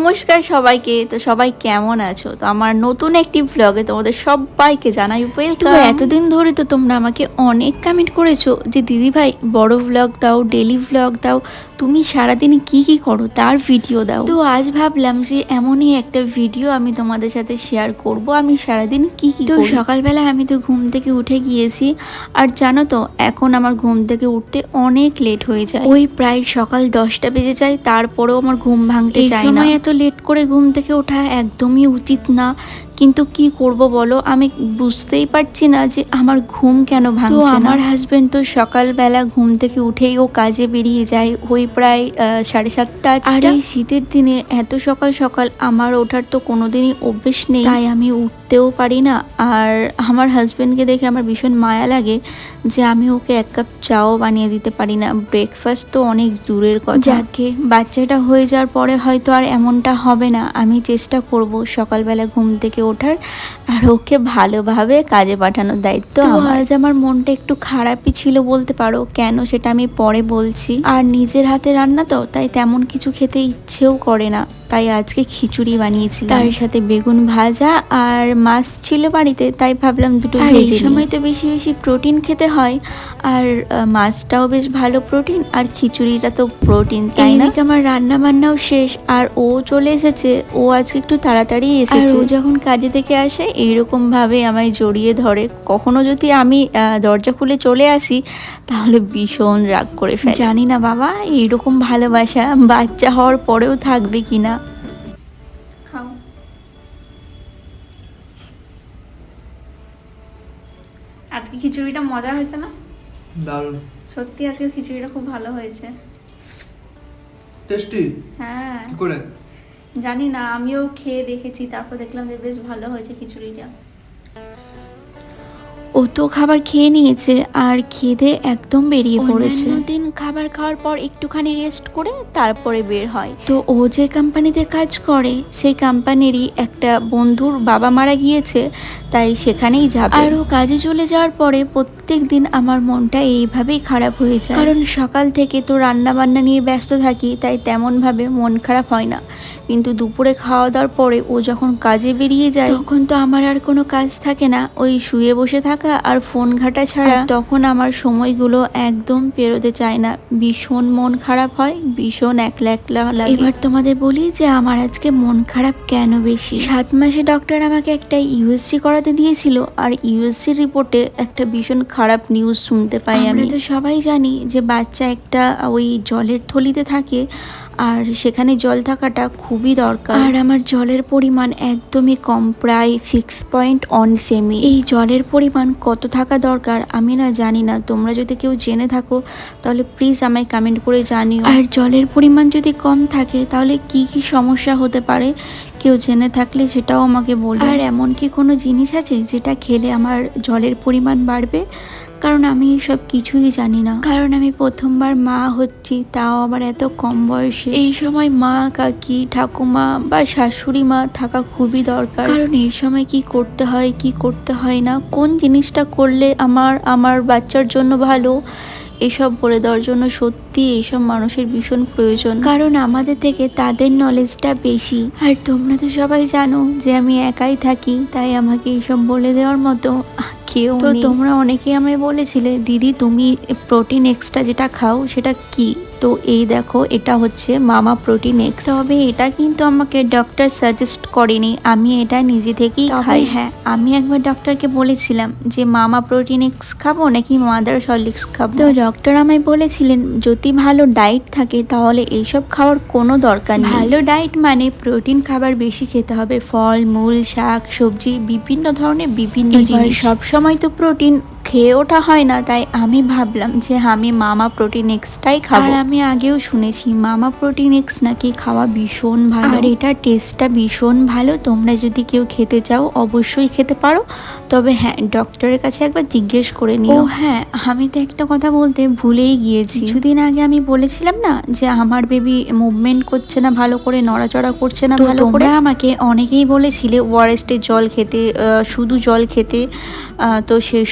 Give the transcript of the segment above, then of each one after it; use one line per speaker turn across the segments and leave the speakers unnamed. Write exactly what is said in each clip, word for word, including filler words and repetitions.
নমস্কার সবাইকে। তো সবাই কেমন আছো? তো আমার নতুন একটি ব্লগে তোমাদের সবাইকে জানাই ওয়েলকাম। এতদিন ধরে তো তোমরা আমাকে অনেক কমেন্ট করেছো যে দিদি ভাই বড় ব্লগ দাও, ডেলি ব্লগ দাও, তুমি সারাদিন কি কি করো তার ভিডিও দাও। তো আজ ভাবলাম যে এমনই একটা ভিডিও আমি তোমাদের সাথে শেয়ার করব আমি সারাদিন কি কি করি। তো সকালবেলা আমি তো ঘুম থেকে উঠে গিয়েছি, আর জানো তো এখন আমার ঘুম থেকে উঠতে অনেক লেট হয়ে যায়, ওই প্রায় সকাল দশটা বেজে যায়, তারপরেও আমার ঘুম ভাঙতে চায় না। এত লেট করে ঘুম থেকে ওঠা একদমই উচিত না, কিন্তু কি করব বলো, আমি বুঝতেই পারছি না যে আমার ঘুম কেন ভাঙছে না। আমার হাজবেন্ড তো সকালবেলা ঘুম থেকে উঠেই ও কাজে বেরিয়ে যায়, ওই প্রায় সাড়ে সাতটা। আর এই শীতের দিনে এত সকাল সকাল আমার ওঠার তো কোনোদিনই অভ্যেস নেই, তাই আমি উঠতেও পারি না। আর আমার হাজবেন্ডকে দেখে আমার ভীষণ মায়া লাগে যে আমি ওকে এক কাপ চাও বানিয়ে দিতে পারি না, ব্রেকফাস্ট তো অনেক দূরের কথা। যাকে বাচ্চাটা হয়ে যাওয়ার পরে হয়তো আর এমনটা হবে না, আমি চেষ্টা করব সকালবেলা ঘুম থেকে ওঠার আর ওকে ভালোভাবে কাজে পাঠানোর দায়িত্ব আমার। আজ আমার মনটা একটু খারাপই ছিল বলতে পারো, কেন সেটা আমি পরে বলছি। আর নিজের হাতে রান্না তো, তাই তেমন কিছু খেতে ইচ্ছেও করে না, তাই আজকে খিচুড়ি বানিয়েছি, তার সাথে বেগুন ভাজা আর মাছ ছিল বাড়িতে, তাই ভাবলাম দুটো ভেজে। এই সময় তো বেশি বেশি প্রোটিন খেতে হয়, আর মাছটাও বেশ ভালো প্রোটিন, আর খিচুড়িটা তো প্রোটিন, তাই না? আমার রান্না বান্নাও শেষ, আর ও চলে এসেছে। ও আজকে একটু তাড়াতাড়ি এসেছে। ও যখন কাজে থেকে আসে এইরকম ভাবে আমায় জড়িয়ে ধরে। কখনো যদি আমি দরজা খুলে চলে আসি তাহলে ভীষণ রাগ করে ফেলে। জানি না বাবা এইরকম ভালোবাসা বাচ্চা হওয়ার পরেও থাকবে কিনা। খাও। আজকে খিচুড়িটা মজা হয়েছে না?
দারুণ।
সত্যি আজকে খিচুড়িটা খুব ভালো হয়েছে।
টেস্টি?
হ্যাঁ।
কি করে
জানি না, আমিও খেয়ে দেখেছি, তারপর দেখলাম যে বেশ ভালো হয়েছে খিচুড়িটা। ও তো খাবার খেয়ে নিয়েছে আর খেতে একদম বেরিয়ে পড়েছে। দিন খাবার খাওয়ার পর একটুখানি রেস্ট করে তারপরে বের হয়। তো ও যে কোম্পানিতে কাজ করে সেই কোম্পানিরই একটা বন্ধুর বাবা মারা গিয়েছে, তাই সেখানেই যাবে। আর ও কাজে চলে যাওয়ার পরে প্রত্যেক দিন আমার মনটা এইভাবেই খারাপ হয়ে যায়, কারণ সকাল থেকে তো রান্না বান্না নিয়ে ব্যস্ত থাকি, তাই তেমন ভাবে মন খারাপ হয় না। কিন্তু দুপুরে খাওয়া দাওয়ার পরে ও যখন কাজে বেরিয়ে যায় তখন তো আমার আর কোনো কাজ থাকে না, ওই শুয়ে বসে থাকা আর ফোন ঘাটা ছাড়া। তখন আমার সময়গুলো একদম পেরোতে চায় না, ভীষণ মন খারাপ হয়, ভীষণ একলা একলা লাগে। এবার তোমাদের বলি যে আমার আজকে মন খারাপ কেন বেশি। সাত মাসে ডক্টর আমাকে একটা ইউএসজি করাতে দিয়েছিল, আর ইউএসজি রিপোর্টে একটা ভীষণ খারাপ নিউজ শুনতে পাই। আমরা তো সবাই জানি যে বাচ্চা একটা ওই জলের থলিতে থাকে, আর সেখানে জল থাকাটা খুবই দরকার। আর আমার জলের পরিমাণ একদমই কম, প্রায় সিক্স পয়েন্ট অন সেমি। এই জলের পরিমাণ কত থাকা দরকার আমি না জানি না, তোমরা যদি কেউ জেনে থাকো তাহলে প্লিজ আমায় কমেন্ট করে জানিও। আর জলের পরিমাণ যদি কম থাকে তাহলে কি কি সমস্যা হতে পারে কেউ জেনে থাকলে সেটাও আমাকে বলো। আর এমন কি কোনো জিনিস আছে যেটা খেলে আমার জলের পরিমাণ বাড়বে? কারণ আমি সব কিছুই জানি না, কারণ আমি প্রথমবার মা হচ্ছি, তাও আবার এত কম বয়সে। এই সময় মা, কাকি, ঠাকুমা বা শাশুড়ি মা থাকা খুবই দরকার, কারণ এই সময় কি করতে হয় কি করতে হয় না, কোন জিনিসটা করলে আমার আমার বাচ্চার জন্য ভালো, এসব বলে দেওয়ার জন্য সত্যি এইসব মানুষের ভীষণ প্রয়োজন, কারণ আমাদের থেকে তাদের নলেজটা বেশি। আর তোমরা তো সবাই জানো যে আমি একাই থাকি, তাই আমাকে এইসব বলে দেওয়ার মতো কেউ। তো তোমরা অনেকেই আমায় বলেছিলে দিদি তুমি প্রোটিন এক্সট্রা যেটা খাও সেটা কি? তো এই দেখো এটা হচ্ছে মামা প্রোটিন এক্স। তবে এটা কিন্তু আমাকে ডক্টর সাজেস্ট করেনি, আমি এটা নিজে থেকেই খাই। হ্যাঁ, আমি একবার ডক্টরকে বলেছিলাম যে মামা প্রোটিন এক্স খাবো নাকি মাদার সলিক্স খাবো। তো ডক্টর আমায় বলেছিলেন যদি ভালো ডায়েট থাকে তাহলে এইসব খাওয়ার কোনো দরকার নেই। ভালো ডায়েট মানে প্রোটিন খাবার বেশি খেতে হবে, ফল মূল শাক সবজি বিভিন্ন ধরনের বিভিন্ন জিনিস। সব সময় তো প্রোটিন খেয়ে ওঠা হয় না, তাই আমি ভাবলাম যে আমি মামা প্রোটিন এক্সটাই খাবো। আর আমি আগেও শুনেছি মামা প্রোটিন এক্স নাকি খাওয়া ভীষণ ভালো, আর এটা টেস্টটা ভীষণ ভালো। তোমরা যদি কেউ খেতে চাও অবশ্যই খেতে পারো, তবে হ্যাঁ ডক্টরের কাছে একবার জিজ্ঞেস করে নিও। ও হ্যাঁ, আমি তো একটা কথা বলতে ভুলেই গিয়েছি। কিছুদিন আগে আমি বলেছিলাম না যে আমার বেবি মুভমেন্ট করছে না ভালো করে, নড়াচড়া করছে না ভালো করে। আমাকে অনেকেই বলেছিলে ওআরএস এর জল খেতে, শুধু জল খেতে, তো সেই সব করার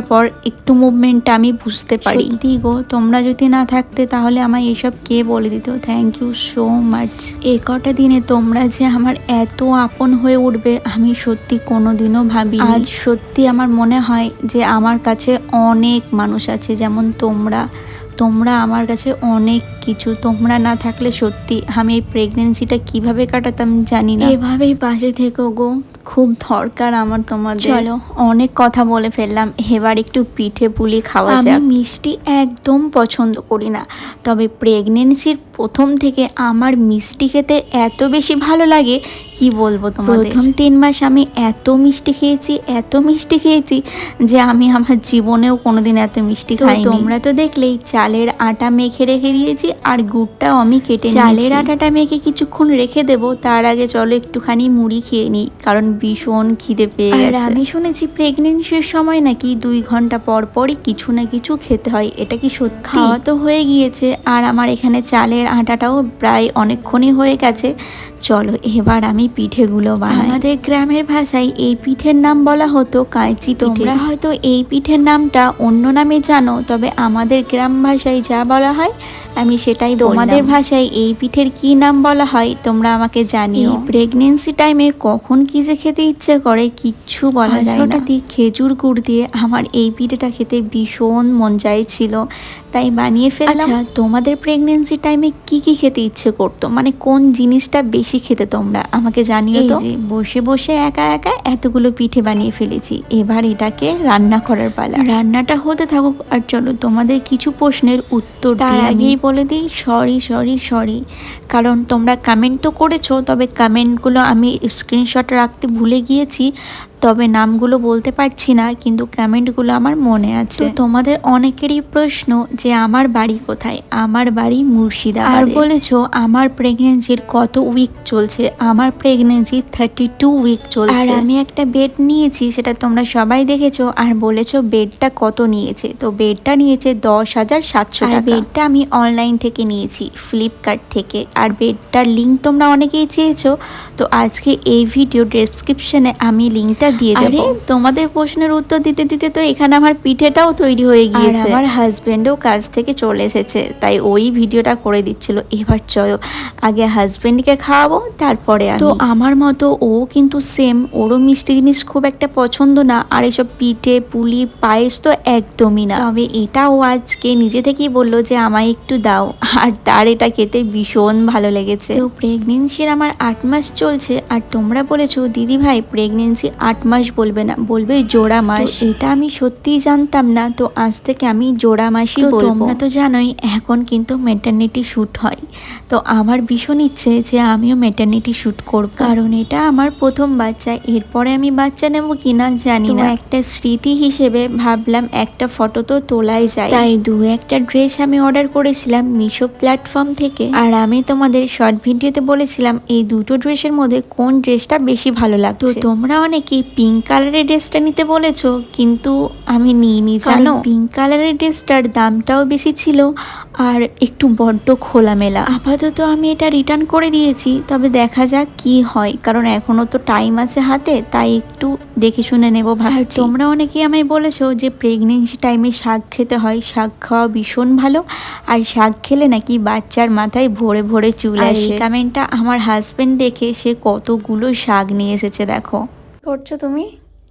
থাকার পর একটু মুভমেন্টটা আমি বুঝতে পারি। সত্যি গো, তোমরা যদি না থাকতে তাহলে আমায় এসব কে বলে দিত। Thank you so much. এ কটা দিনে তোমরা যে আমার এত আপন হয়ে উঠবে আমি সত্যি কোনোদিনও ভাবিনি। আজ সত্যি আমার মনে হয় যে আমার কাছে অনেক মানুষ আছে যেমন তোমরা তোমরা আমার কাছে অনেক কিছু। তোমরা না থাকলে সত্যি আমি এই প্রেগনেন্সিটা কিভাবে কাটাতাম জানি না। এভাবেই পাশে থেকো গো, খুব দরকার আমার তোমাদের। চলো, অনেক কথা বলে ফেললাম, এবার একটু পিঠে পুলি খাওয়া যাক। আমি মিষ্টি একদম পছন্দ করি না, তবে প্রেগনেন্সির প্রথম থেকে আমার মিষ্টি খেতে এত বেশি ভালো লাগে কি বলবো তোমাদের। প্রথম তিন মাস আমি এত মিষ্টি খেয়েছি এত মিষ্টি খেয়েছি যে আমি আমার জীবনেও কোনোদিন এত মিষ্টি খাইনি। তোমরা তো দেখলেই চালের আটা মেখে রেখে দিয়েছি আর গুড়টাও আমি কেটে নিয়েছি। চালের আটাটা মেখে কিছুক্ষণ রেখে দেবো, তার আগে চলো একটুখানি মুড়ি খেয়ে নিই, কারণ ভীষণ খিদে পেয়ে গেছে। আর আমি শুনেছি প্রেগনেন্সির সময় নাকি দুই ঘন্টা পর পরই কিছু না কিছু খেতে হয়, এটা কি সত্যি? খাওয়া তো হয়ে গিয়েছে আর আমার এখানে চালের আটাটাও প্রায় অনেকক্ষণই হয়ে গেছে। চলো এবার আমি পিঠেগুলো বানাই। আমাদের গ্রামের ভাষায় এই পিঠের নাম বলা হতো কাঁচি পিঠে। তোমরা হয়তো এই পিঠের নামটা অন্য নামে জানো, তবে আমাদের গ্রাম ভাষায় যা বলা হয় আমি সেটাই বললাম। তোমাদের ভাষায় এই পিঠের কি নাম বলা হয় তোমরা আমাকে জানিও। প্রেগনেন্সি টাইমে কখন কি যে খেতে ইচ্ছে করে কিচ্ছু বলা যায় না। হঠাৎই খেজুর গুড় দিয়ে আমার এই পিঠেটা খেতে ভীষণ মন চাইছিল, তাই বানিয়ে ফেললাম। আচ্ছা, তোমাদের প্রেগনেন্সি টাইমে কি কি খেতে ইচ্ছে করতো, মানে কোন জিনিসটা বেশি খেতে তোমরা আমাকে জানিও তো। যে বসে বসে একা একা এতগুলো পিঠে বানিয়ে ফেলেছি, এবার এটাকে রান্না করার পালা। রান্নাটা হতে থাকুক আর চলো তোমাদের কিছু প্রশ্নের উত্তর তার আগেই বলে দিই সরি সরি সরি কারণ তোমরা কমেন্ট তো করেছো, তবে কমেন্টগুলো আমি স্ক্রিনশট রাখতে ভুলে গিয়েছি, তবে নামগুলো বলতে পারছি না, কিন্তু কমেন্টগুলো আমার মনে আছে। তো তোমাদের অনেকেরই প্রশ্ন যে আমার বাড়ি কোথায়। আমার বাড়ি মুর্শিদাবাদে। আর বলেছো আমার প্রেগনেন্সির কত উইক চলছে। আমার প্রেগনেন্সি থার্টি টু উইক চলছে। আর আমি একটা বেড নিয়েছি, সেটা তোমরা সবাই দেখেছো। আর বলেছো বেডটা কত নিয়েছে, তো বেডটা নিয়েছে দশ হাজার সাতশো টাকা। বেডটা আমি অনলাইন থেকে নিয়েছি, ফ্লিপকার্ট থেকে। আর বেডটার লিঙ্ক তোমরা অনেকেই চেয়েছো, তো আজকে এই ভিডিও ডেসক্রিপশনে আমি লিঙ্কটা দিয়ে দেব। তোমাদের প্রশ্নের উত্তর দিতে দিতে তো এখানে আমার পিঠেটাও তৈরি হয়ে গিয়েছে। আমার হাজবেন্ডও কাজ থেকে চলে এসেছে, তাই ওই ভিডিওটা করে দিচ্ছিল। এবার চলো আগে হাজবেন্ডকে খাওয়াবো, তারপরে তো আমার মতো ও কিন্তু সেম, ওরও মিষ্টি জিনিস খুব একটা পছন্দ না, আর এসব পিঠে পুলি পায়েস তো একদমই না। তবে এটা ও আজকে নিজে থেকেই বললো যে আমায় একটু দাও, আর তার এটা খেতে ভীষণ ভালো লেগেছে। তো প্রেগনেন্সির আমার আট মাস চলছে, আর তোমরা বলেছো দিদি ভাই প্রেগনেন্সি আট মাস বলবে না, বলবে জোড়া মাস। এটা আমি সত্যিই জানতাম না, তো আজ থেকে আমি জোড়া মাসই বলবো। তোমরা তো জানোই এখন কিন্তু ম্যাটারনিটি শ্যুট হয়, তো আমার ভীষণ ইচ্ছে যে আমিও ম্যাটারনিটি শ্যুট করব, কারণ এটা আমার প্রথম বাচ্চা। এরপরে আমি বাচ্চা নেব কিনা জানি না, একটা স্মৃতি হিসেবে ভাবলাম একটা ফটো তো তোলাই যায়, তাই দু একটা ড্রেস আমি অর্ডার করেছিলাম মিশো প্ল্যাটফর্ম থেকে। আর আমি তোমাদের শর্ট ভিডিওতে বলেছিলাম এই দুটো ড্রেসের মধ্যে কোন ড্রেসটা বেশি ভালো লাগছে। তো তোমরা অনেকে পিঙ্ক কালারের ড্রেসটা নিতে বলেছো, কিন্তু আমি নিইনি জানো। পিঙ্ক কালারের ড্রেসটার দামটাও বেশি ছিল আর একটু বড্ড খোলামেলা। আপাতত আমি এটা রিটার্ন করে দিয়েছি, তবে দেখা যাক কি হয়, কারণ এখনো তো টাইম আছে হাতে, তাই একটু দেখে শুনে নেবো ভাবছি। তোমরা অনেকেই আমায় বলেছো যে প্রেগনেন্সি টাইমে শাক খেতে হয়, শাক খাওয়া ভীষণ ভালো, আর শাক খেলে নাকি বাচ্চার মাথায় ভরে ভরে চুল আসে। কমেন্টটা আমার হাজবেন্ড দেখে সে কতগুলো শাক নিয়ে এসেছে দেখো। করছো তুমি?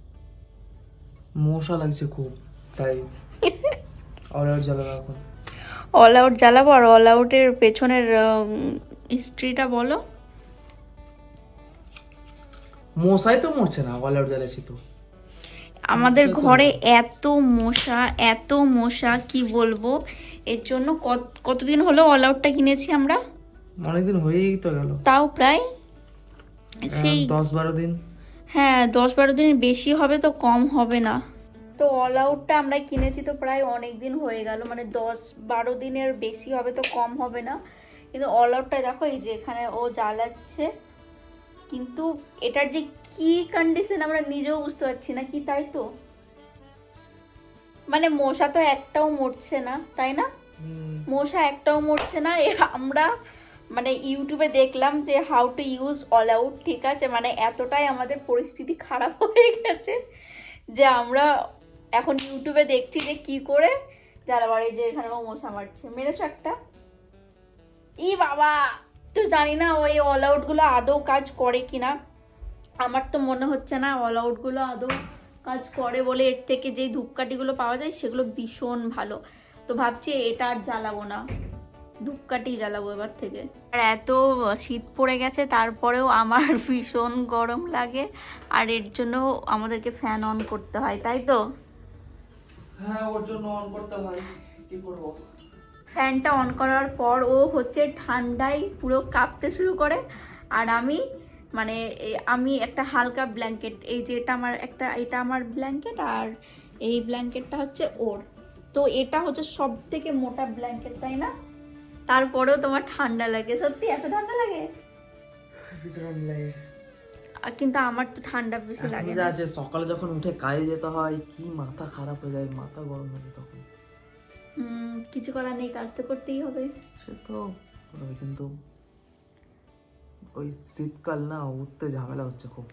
মশা লাগছে খুব, তাই অল আউট জ্বালাবো এখন।
অল আউট জ্বালাবো, আর অল আউটের পেছনের হিস্ট্রিটা বলো।
মশাই তো মরছে না, অল আউট জ্বালাচ্ছি তো।
আমাদের ঘরে এত মশা এত মশা কি বলবো, এর জন্য কতদিন হলো অল আউটটা কিনেছি আমরা?
অনেকদিন হয়েই তো গেল,
তাও প্রায় সেই
দশ বারো দিন।
হ্যাঁ দশ বারো দিনের বেশি হবে, তো কম হবে না। তো অল আউটটা আমরা কিনেছি তো প্রায় অনেক দিন হয়ে গেল, মানে দশ বারো দিনের বেশি হবে, তো কম হবে না। কিন্তু অল আউটটা দেখো এই যে এখানে ও জ্বালাচ্ছে, কিন্তু এটার যে কি কন্ডিশন আমরা নিজেও বুঝতে পারছি না কি, তাই তো? মানে মশা তো একটাও মরছে না, তাই না? মশা একটাও মরছে না। আমরা মানে ইউটিউবে দেখলাম যে how to use All Out, ঠিক আছে, মানে এতটাই আমাদের পরিস্থিতি খারাপ হয়ে গেছে যে আমরা এখন ইউটিউবে দেখছি যে কি করে জ্বালাবার, এই যে এখানে ও মশা মারছে, মেরেছো একটা। ই বাবা, তো জানি না ওই অল আউট গুলো আদৌ কাজ করে কিনা, আমার তো মনে হচ্ছে না অল আউট গুলো আদৌ কাজ করে বলে। এর থেকে যেই ধূপকাঠিগুলো পাওয়া যায় সেগুলো ভীষণ ভালো, তো ভাবছি এটা আর জ্বালাবো না, ধূপকাঠি জ্বালাবো এবার থেকে। আর এত শীত পড়ে গেছে তারপরেও আমার ভীষণ গরম লাগে, আর এর জন্য আমাদেরকে ফ্যান অন করতে হয়, তাই তো?
হ্যাঁ, ওর জন্য অন করতে হয়, কি করবো।
ফ্যানটা অন করার পর ও হচ্ছে ঠান্ডায় পুরো কাঁপতে শুরু করে, আর আমি মানে এ- আমি একটা হালকা ব্ল্যাঙ্কেট, এই যে এটা আমার একটা, এটা আমার ব্ল্যাঙ্কেট, আর এই ব্ল্যাঙ্কেটটা হচ্ছে ওর, তো এটা হচ্ছে সব থেকে মোটা ব্ল্যাঙ্কেট, তাই না? তারপরেও তোমার ঠান্ডা লাগে? সত্যি এত ঠান্ডা লাগে?
ভীষণ লাগে।
আর কিন্তু আমার তো ঠান্ডা বেশি
এখন
লাগে
যা
না।
আছে, সকালে যখন উঠে কাজে যেতে হয়, কি মাথা খারাপ হয়ে যায়, মাথা গরম হয়ে যায় তখন।
হুম, কিছু করার নেই, কাজ তো করতেই হবে।
সে তো করবে, কিন্তু ওই শীতকাল না, উঠতে ঝামেলা হচ্ছে খুব।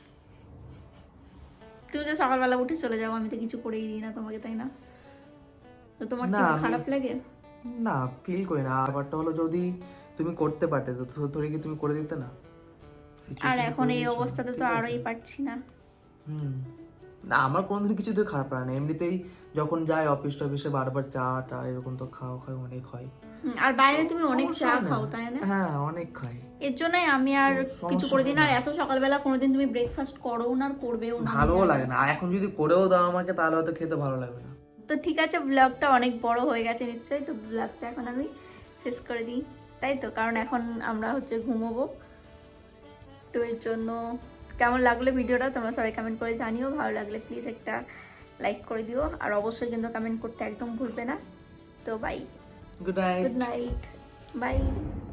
তুমি যে সকালবেলা উঠে চলে যাও, আমি তো কিছু করেই দিই না তোমাকে, তাই না? তো তোমার কি
না, আমি-
খারাপ লাগে?
না, ফিল করি না। ব্যাপারটা হলো, যদি তুমি করতে পারতে তো ধরে কি তুমি করে দিতে না?
আর
Situation
এখন
করে
এই
দিয়েছো,
অবস্থাতে তো
ঠিক আছে।
আরোই পারছি না।
হুম। না, আমার কোনোদিন কিছুতে খারাপ লাগে না, এমনিতেই যখন যাই অফিস টফিসে বারবার চা টা এরকম তো খাওয়া খাওয়া অনেক হয়।
হুম, আর বাইরে তুমি অনেক
সমস্যা
চা
হয় না।
খাও, তাই না?
হ্যাঁ, অনেক খাই।
এর জন্যই আমি আর
সমস্যা
কিছু করে দিই না। আর
হয় না।
এত সকালবেলা কোনোদিন তুমি ব্রেকফাস্ট করো না, আর করবেও না, আমি
ভালোও
জানি।
লাগে না, আর এখন যদি করেও দাও আমাকে, তাহলে হয়তো খেতে ভালো লাগবে না।
তো ঠিক আছে, ব্লগটা অনেক বড় হয়ে গেছে নিশ্চয়ই, তো ব্লগটা এখন আমি শেষ করে দিই, তাই তো? কারণ এখন আমরা হচ্ছে ঘুমোবো, তো এর জন্য কেমন লাগলো ভিডিওটা তোমরা সবাই কমেন্ট করে জানিও। ভালো লাগলে প্লিজ একটা লাইক করে দিও, আর অবশ্যই কিন্তু কমেন্ট করতে একদম ভুলবে না। তো bye,
good night.
Good night, by.